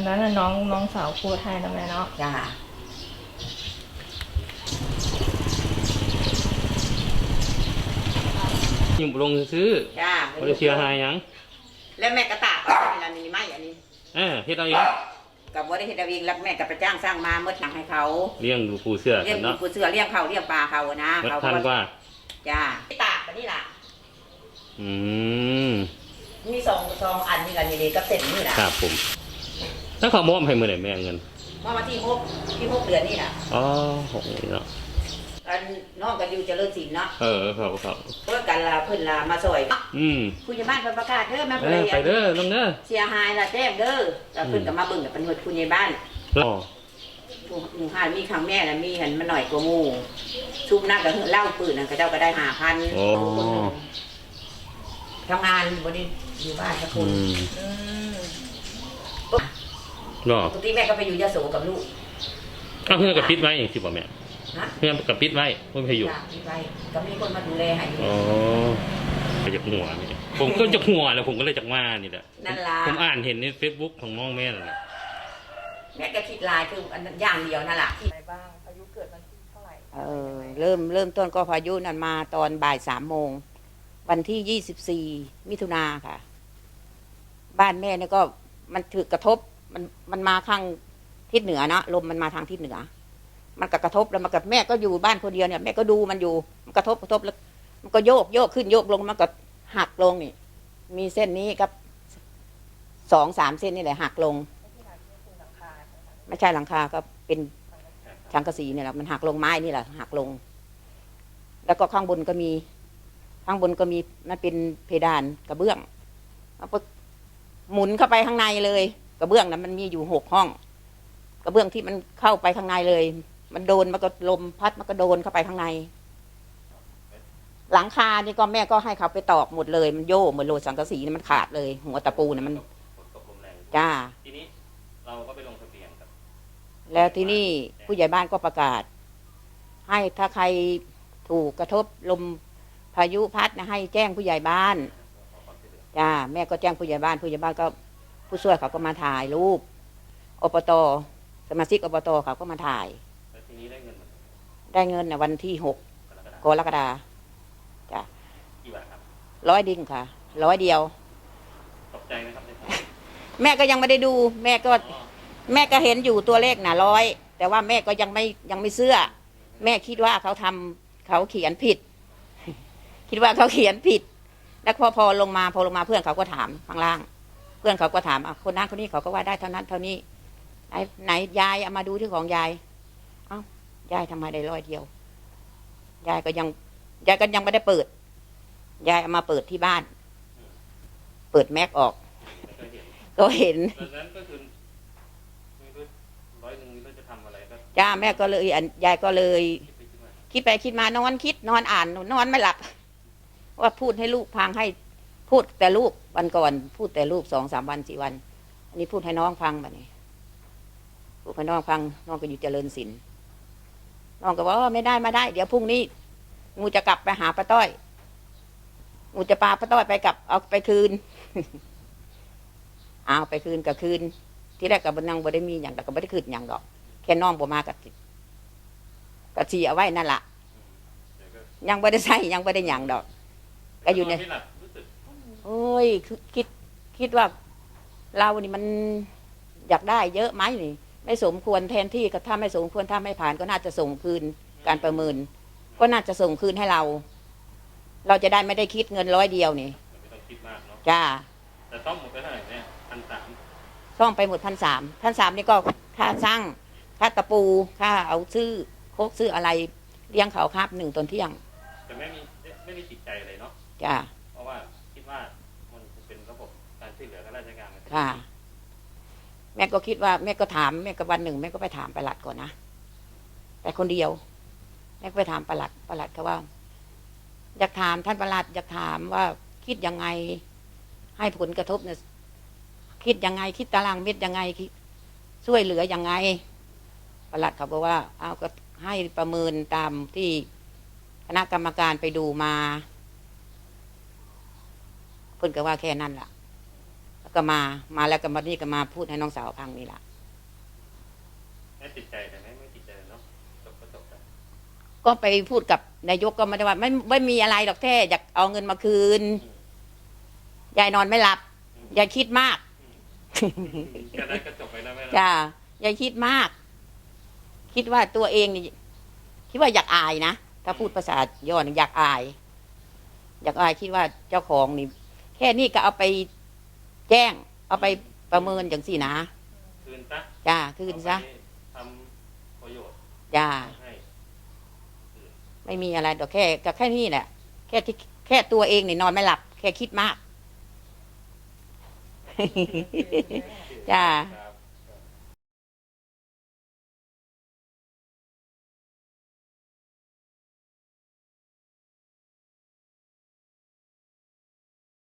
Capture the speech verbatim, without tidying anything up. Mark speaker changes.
Speaker 1: นั้นน่ะน้องน้องสาวพูดให้นะแม่เนาะ
Speaker 2: จ้า
Speaker 3: ยิ่งลงซื้อ
Speaker 2: จ้า
Speaker 3: บริเชียหายยัง
Speaker 2: แล้วแม่กระตากเอาเวลานี้ไม่อันนี้
Speaker 3: เออเฮ็ดเอาเอง
Speaker 2: กับบริเฮ็ดเอาเองแล้วแม่กับไปจ้างสร้างมาเมื่อหนังให้เขา
Speaker 3: เลี้ยงดูปูเสื้อ
Speaker 2: เลี้ยง
Speaker 3: เนาะ
Speaker 2: ปูเสื้อเลี้ยงเขาเลี้ยงปลาเขานะ
Speaker 3: เขาทันกว่า
Speaker 2: จ้าตากแบบนี้ล่ะ
Speaker 3: อืม
Speaker 2: มีสองสองอันนี่กันนี่ก็เสร็จนี่แหละ
Speaker 3: ครับผมถ้าเขามอบให้มือไหนแม่เงิน
Speaker 2: มอบมาที่หกที่หกเดือนนี่แหละ
Speaker 3: อ๋อหกเนาะ
Speaker 2: อันน้องกันอยู่เจริญศิลป์เนาะ
Speaker 3: เออครับครับ
Speaker 2: เพื่อกันลาเพื่อนลามาสวย
Speaker 3: อืม
Speaker 2: ผู้ใหญ่บ้านประกาศเด้อแม่
Speaker 3: ไปเด้อน้องเด้อ
Speaker 2: เสียหายละแจ้งเด้อแล้วเพื่อนก็มาเบิ่งกับเป็นหน่วยผู้ใหญ่บ้าน
Speaker 3: อ๋อ
Speaker 2: หมู่ห้ามีครั้งแม่แล้วมีเห็นมันหน่อยกว่าหมู่ชุบนักกับเล่าปืนนั่นก็เจ้าก็ได้ห้าพัน
Speaker 3: โอ้
Speaker 2: ทำงานบริอยู่บ้านสักคน
Speaker 3: เนาะ
Speaker 2: ปกติแม่ก็ไปอยู่ยโสกับลูก
Speaker 3: อ้าวเพื่อนกับปิดไว้อย่างที่บอกแม่เพื่อนกับปิดไว้เพื่อนไปอยู่
Speaker 2: ปิดไว้ก็มีคนมาดูแลให้
Speaker 3: อ๋อไปจากหัวนี่ผมก็จากหัวแล้วผมก็เลยจากมานี่แหละ
Speaker 2: นั่นล่ะ
Speaker 3: ผมอ่านเห็นในเฟซบุ๊กของน้องแม่นั่นแหละ
Speaker 2: แม่ก็คิดลายคืออันอย่างเดียวนั่นแหละ
Speaker 1: อะไรบ้างพายุเกิดวันที่เท่าไหร่
Speaker 2: เออเริ่มเริ่มต้นก็พายุนั้นมาตอนบ่ายสามโมงวันที่ยี่สิบสี่มิถุนาค่ะบ้านแม่เนี่ยก็มันถือกระทบมันมันมาข้างทิศเหนือเนาะลมมันมาทางทิศเหนือมันก็กระทบแล้วมันกับแม่ก็อยู่บ้านคนเดียวเนี่ยแม่ก็ดูมันอยู่มันกระทบกระทบแล้วมันก็โยกโยกขึ้นโยกลงมันก็หักลงนี่มีเส้นนี้กับสองสามเส้นนี่แหละหักลงไม่ใช่หลังคาก็เป็นสังกะสีเนี่ยแหละมันหักลงไม้นี่แหละหักลงแล้วก็ข้างบนก็มีข้างบนก็มีมันเป็นเพดานกระเบื้องหมุนเข้าไปข้างในเลยกระเบื้องนั้นมันมีอยู่หกห้องกระเบื้องที่มันเข้าไปข้างในเลยมันโดนมันก็ลมพัดมันก็โดนเข้าไปข้างในหลังคานี่ก็แม่ก็ให้เขาไปตอกหมดเลยมันโย่เหมือนโลสังกะสีมันขาดเลยหัวตะปูเนี่ยมันจ้า
Speaker 3: ทีนี้เราก็ไปลงทะเบียนกับ
Speaker 2: แล้วที่นี่ผู้ใหญ่บ้านก็ประกาศให้ถ้าใครถูกกระทบลมพายุพัดนะให้แจ้งผู้ใหญ่บ้านจ้าแม่ก็แจ้งผู้ใหญ่บ้านผู้ใหญ่บ้านก็ผู้ช่วยเขาก็มาถ่ายรูปอบต.สมาชิกอบต.เขาก็มาถ่าย
Speaker 3: แล้วทีนี้ได้เงิน
Speaker 2: ได้เงินในวันที่หกกรกฎาคมจ้ะ
Speaker 3: กี่บาทครับ
Speaker 2: ร้อยดิ่งค่ะร้อยเดียว
Speaker 3: ตกใจไหมครับ
Speaker 2: แม่ก็ยังไม่ได้ดูแม่ก็แม่ก็เห็นอยู่ตัวเลขน่ะร้อยแต่ว่าแม่ก็ยังไม่ยังไม่เชื่อแม่คิดว่าเขาทำเขาเขียนผิดคิดว่าเขาเขียนผิดแล้วพอพอลงมาพอลงมาเพื่อนเขาก็ถามข้างล่างเพื่อนเขาก็ถามอ่ะคนนั้นคนนี้เขาก็ว่าได้เท่านั้นเท่านี้ไหนไหนยายเอามาดูที่ของยายเอ้ายายทำไมได้ร้อยเดียวยายก็ยังยายก็ยังไม่ได้เปิดยายเอามาเปิดที่บ้านเปิดแม็กออกก็เห็น
Speaker 3: นั้นก็คือร้อยหนึ่งนี่จะทำอะไรก็
Speaker 2: จ้าแม่ก็เลยยายก็เลยคิดไปคิดมานอนคิดนอนอ่านนอนไม่หลับว่าพูดให้ลูกพังให้พูดแต่ลูกวันก่อนพูดแต่ลูกสองสามวันสี่วันอันนี้พูดให้น้องฟังแบบนี้พูดให้น้องฟังน้องก็อยู่เจริญศิลป์น้องก็บอกว่าไม่ได้มาได้เดี๋ยวพรุ่งนี้งูจะกลับไปหาป้าต้อยงูจะปาป้าต้อยไปกลับเอาไปคืนเอาไปคืนกับคืนที่แรกกับบนนั่งบ่ได้มีอย่างแต่ก็ไม่ได้คืนอย่างดอกแค่น้องบ่มากับกับชีเอาไว้นั่นแหละยังไม่ได้ใช้ยังไม่ได้อย่างดอกก็อยู่ในโอ้ยคิดคิดว่าเรานี่มันอยากได้เยอะไหมนี่ไม่สมควรแทนที่ก็ถ้าไม่สมควรถ้าไม่ผ่านก็น่าจะส่งคืนการประเมินก็น่าจะส่งคืนให้เราเราจะได้ไม่ได้คิดเงินร้อยเดียวนี่
Speaker 3: ไม่ต้องคิดมากเนาะ
Speaker 2: จ้า
Speaker 3: แต่ต้องหมดไปเท่าไหร่เนี่ยพันสาม
Speaker 2: ต้องไปหมดพันสามพันสามนี่ก็ค่าสร้างค่าตะปูค่าเอาซื้อโคกซื้ออะไรเลี้ยงเขาครับหนึ่งตอนเที่ยง
Speaker 3: แต่ไม่มีไม่มีจิตใจเลยเนาะ
Speaker 2: จ้า
Speaker 3: เพราะว่าคิดว่ามันเป็นระบบการช่วยเหลือกันราชการ
Speaker 2: ค่ะแม่ก็คิดว่าแม่ก็ถามแม่ก็วันหนึ่งแม่ก็ไปถามปลัดก่อนนะแต่คนเดียวแม่ก็ไปถามปลัดปลัดเขาว่าอยากถามท่านปลัดอยากถามว่าคิดยังไงให้ผลกระทบเนี่ยคิดยังไงคิดตารางเม็ดยังไงคิดช่วยเหลือยังไงปลัดเขาบอกว่าเอาก็ให้ประเมินตามที่คณะกรรมการไปดูมาเพิ่นก็ว่าแค่นั้นล่ะก็มา มาแล้วก็มานี่ก็มาพูดให้น้องสาวฟังนี่แหละ
Speaker 3: ไม่ติดใจแต่ไม่ไม่ติดใจเนาะจบก็จบกัน
Speaker 2: ก็ไปพูดกับนายกก็ไม่ได้ว่าไม่ไม่มีอะไรหรอกแค่อยากเอาเงินมาคืนยายนอนไม่หลับยายคิดมาก
Speaker 3: ก็ได้ก็จบไปนะแม่นะ
Speaker 2: จ้ายายคิดมาก คิดว่าตัวเองนี่คิดว่าอยากอายนะถ้าพูดภาษาย่อนี่อยากอาย อยากอายคิดว่าเจ้าของนี่ แค่นี้ก็เอาไปแจ้ง เอาไปประเมินอย่างสี่นะ
Speaker 3: คืนซะ
Speaker 2: จ้าคืนซะ
Speaker 3: ทำประโยชน์
Speaker 2: จ้า
Speaker 3: ให้
Speaker 2: ไม่มีอะไรดอกแค่ก็แค่นี้แหละ แค่ที่แค่ตัวเองนี่นอนไม่หลับ แค่คิดมาก จ้า
Speaker 3: ครับ